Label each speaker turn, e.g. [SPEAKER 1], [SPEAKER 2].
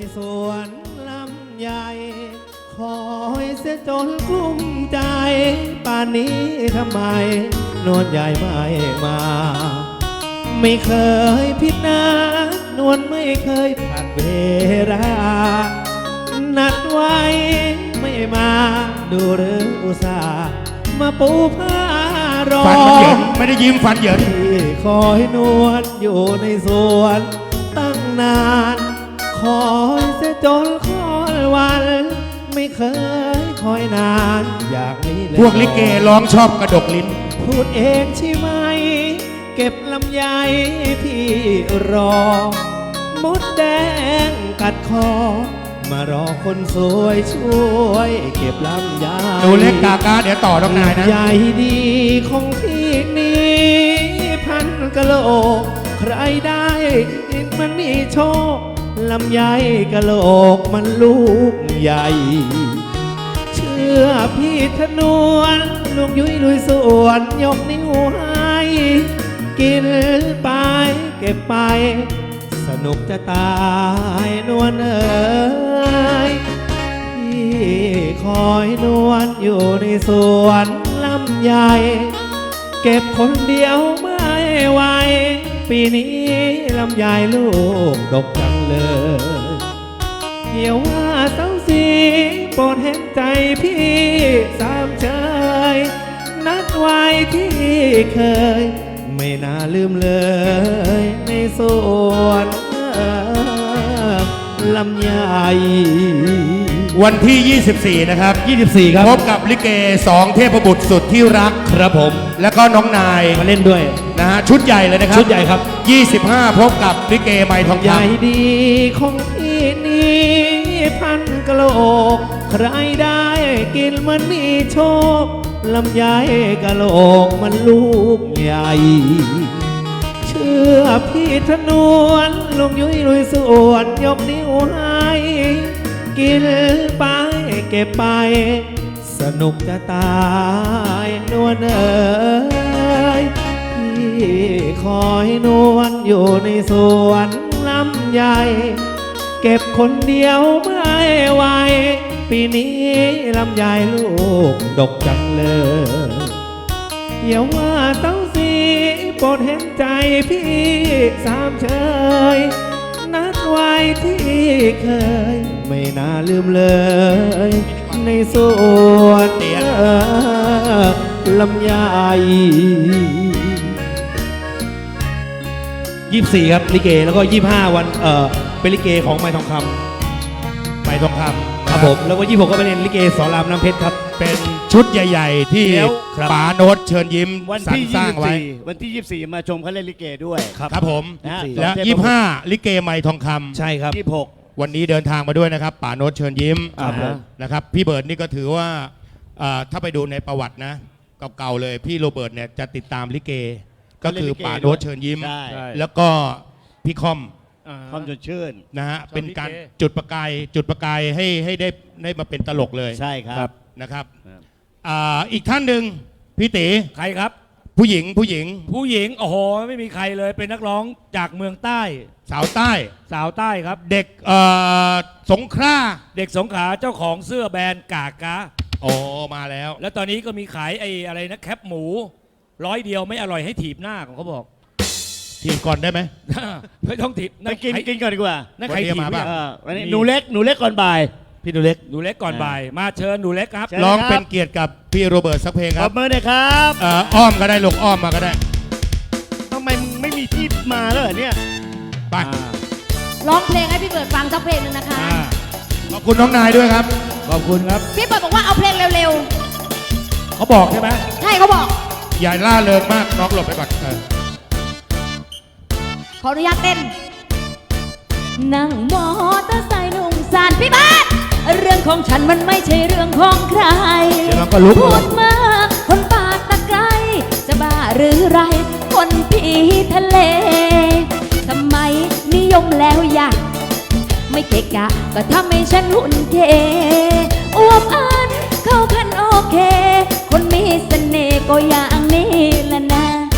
[SPEAKER 1] สวนลำใหญ่คอยเสียจนกลุ้มใจป่านนี้ทำไมนวลใหญ่ไม่มาไม่เคยผิดนัดนวลไม่เคยผลัดเวลานัดไว้ไม่มาดูหรืออุตส่าห์มาปูผ้ารอ
[SPEAKER 2] ฟันมันเหยินไม่ได้ยิ้มฟันเหยิน
[SPEAKER 1] ที่คอยนวลอยู่ในสวนตั้งนานคอยเสียจนคอยวันไม่เคยคอยนานอย่างนี้เลย
[SPEAKER 2] พวกลิเกร้องชอบกระดกลิ้น
[SPEAKER 1] พูดเองใช่ไหมเก็บลำไยพี่รอมดแดงกัดคอมารอคนสวยช่วยเก็บลำไย
[SPEAKER 2] หนูเล็กกากาเดี๋ยวต่อน้องนายนะ
[SPEAKER 1] ใหญ่ดีของพี่นี้พันกะโหลกใครได้มันมีโชคลำไยกะโหลกมันลูกใหญ่เชื่อพี่ธนวนลูกยุ้ยลุยสวนยกนิ้วให้กินไปเก็บไปสนุกจะตายนวลเอ๋ยพี่คอยนวลอยู่ในสวนลำใหญ่เก็บคนเดียวไม่ไหวปีนี้ลำใหญ่ลูกดกจังเลยเดี๋ยวว่าเศร้าสีโปรดเห็นใจพี่สามเชยนัดไว้ที่เคยไม่น่าลืมเลยในสวนลำใหญ่
[SPEAKER 2] วันที่ 24 นะครับ
[SPEAKER 1] 24 ครับ
[SPEAKER 2] พบกับลิเก2เทพบุตรสุดที่รัก
[SPEAKER 1] ครับผม
[SPEAKER 2] แล้วก็น้องนาย
[SPEAKER 1] มาเล่นด้วย
[SPEAKER 2] นะฮะชุดใหญ่เลยนะครับ
[SPEAKER 1] ชุดใหญ่ครับ
[SPEAKER 2] 25 พบกับลิเกไมทอง
[SPEAKER 1] ให
[SPEAKER 2] ค
[SPEAKER 1] ญ่ดีของพี่นี้พันกะโหลกใครได้กินมันมีโชคลำไยกะโหลกมันลูกใหญ่เชื่อพี่ธนวนลุงยุ้ยลุยสวนยกนิ้วให้กินไปเก็บไปสนุกจะตายนวลเอ๋ยพี่คอยนวลอยู่ในสวนลำใหญ่เก็บคนเดียวไม่ไหวปีนี้ลำใหญ่ลูกดกจังเลยอย่าว่าเต้าสีโปรดเห็นใจพี่สามเชยนัดไว้ที่เคยไม่น่าลืมเลยในสวนลำใหญ่24 ครับลิเกแล้วก็25 วันเป็นลิเกของไม้ทองคำ
[SPEAKER 2] ไมทองคำ
[SPEAKER 1] ครับผมแล้วก็26ก็เป็นลิเกสอนรามน้ำเพชรครับ
[SPEAKER 2] เป็นชุดใหญ่ ๆ ที่
[SPEAKER 3] เดี๋ยว
[SPEAKER 2] ป๋าโน้ตเชิญยิ้ม
[SPEAKER 3] วัน
[SPEAKER 2] สรร
[SPEAKER 3] ที่
[SPEAKER 2] สร้างไว้
[SPEAKER 3] 24 วันที่ 24 มาชมเขาเล่นลิเกด้วย
[SPEAKER 2] ครับผม
[SPEAKER 3] นะฮะ
[SPEAKER 2] และ
[SPEAKER 3] สองเทพบุตร
[SPEAKER 2] 25 ลิเกไมทองคำ
[SPEAKER 1] ใช่ครับ
[SPEAKER 3] 26
[SPEAKER 2] วันนี้เดินทางมาด้วยนะครับป๋าโน้ตเชิญยิ้ม
[SPEAKER 3] ครับผม
[SPEAKER 2] นะครับพี่เบิร์ดนี่ก็ถือว่าถ้าไปดูในประวัตินะเก่าๆเลยพี่โรเบิร์ตเนี่ยจะติดตามลิเก ก็คือป๋าโน้ตเชิญยิ้ม
[SPEAKER 3] ใช่
[SPEAKER 2] แล้วก็พี่คอม
[SPEAKER 3] คอมจนชื่น
[SPEAKER 2] นะฮะเป็นการจุดประกายให้ได้มาเป็นตลกเลย
[SPEAKER 3] ใช่ครับ
[SPEAKER 2] นะครับ
[SPEAKER 3] ครับ
[SPEAKER 2] อีกท่านหนึ่งพี่ตี
[SPEAKER 4] ใครครับ
[SPEAKER 2] ผู้หญิง
[SPEAKER 4] ผู้หญิงโอ้โหไม่มีใครเลยเป็นนักร้องจากเมืองใต้
[SPEAKER 2] สาวใต้
[SPEAKER 4] สาวใต้ครับ
[SPEAKER 2] เด็กสงขลา
[SPEAKER 4] เด็กสงขลาเจ้าของเสื้อแบรนด์กากา
[SPEAKER 2] โอ้มาแล้ว
[SPEAKER 4] แล้วตอนนี้ก็มีขายไอ้อะไรนะแคปหมู100 เดียวไม่อร่อยให้ถีบหน้าของเขาบอก
[SPEAKER 2] ทีมก่อนได้ไหม
[SPEAKER 4] ไม่ต้องถีบ
[SPEAKER 3] ไปกินก่อนดีกว่า
[SPEAKER 4] นั่นใคร
[SPEAKER 2] วันนี้
[SPEAKER 4] ถีบ
[SPEAKER 2] มาป่ะ
[SPEAKER 4] เนี่ย
[SPEAKER 3] วันนี้หนูเล็กก่อนบ่าย
[SPEAKER 1] พี่ดูเล็ก
[SPEAKER 4] หนูเล็กก่อนบ่าย มาเชิญหนูเล็กครับ
[SPEAKER 3] เชิญ
[SPEAKER 2] ร้องเป็นเกียรติกับพี่โรเบิร์ตสักเพลง
[SPEAKER 3] ข
[SPEAKER 2] ค
[SPEAKER 3] อ
[SPEAKER 2] รั
[SPEAKER 3] บบ มือหน่อยครับ
[SPEAKER 2] อ้อมก็ได้ลูกอ้อมมาก็ได้
[SPEAKER 3] ทำไมมึงไม่มีที่มาแล้วเหรอเนี่ย
[SPEAKER 2] ไป
[SPEAKER 5] ร้องเพลงให้พี่เบิร์ดฟังสักเพลงหนึ่งนะคะ
[SPEAKER 2] ขอบคุณน้องนายด้วยครับ
[SPEAKER 4] ขอบคุณครับ
[SPEAKER 5] พี่เบิร์ดบอกว่าเอาเพลงเร็ว
[SPEAKER 4] เขาบอกใช่ไหม
[SPEAKER 5] ๆ ใช่เขาบอก
[SPEAKER 2] อย่าล่าเริงมากน้องหลบไปก่อน
[SPEAKER 5] ขออนุญาตเต้น นั่งมอเตอร์ไซค์นุ่งสารพี่เบิร์ดเรื่องของฉันมันไม่ใช่เรื่องของใคร
[SPEAKER 4] เดี๋ยวเราก็ลุก
[SPEAKER 5] พูดมากคนปากตะไคร้จะบ้าหรือไร คนผีทะเลทำไมนิยมแล้วอยากไม่เกะกะก็ทำให้ฉันหุ่นเทอวบอันเข้ากันโอเค คนมีเสน่ห์ก็อย่างนี้ละนะ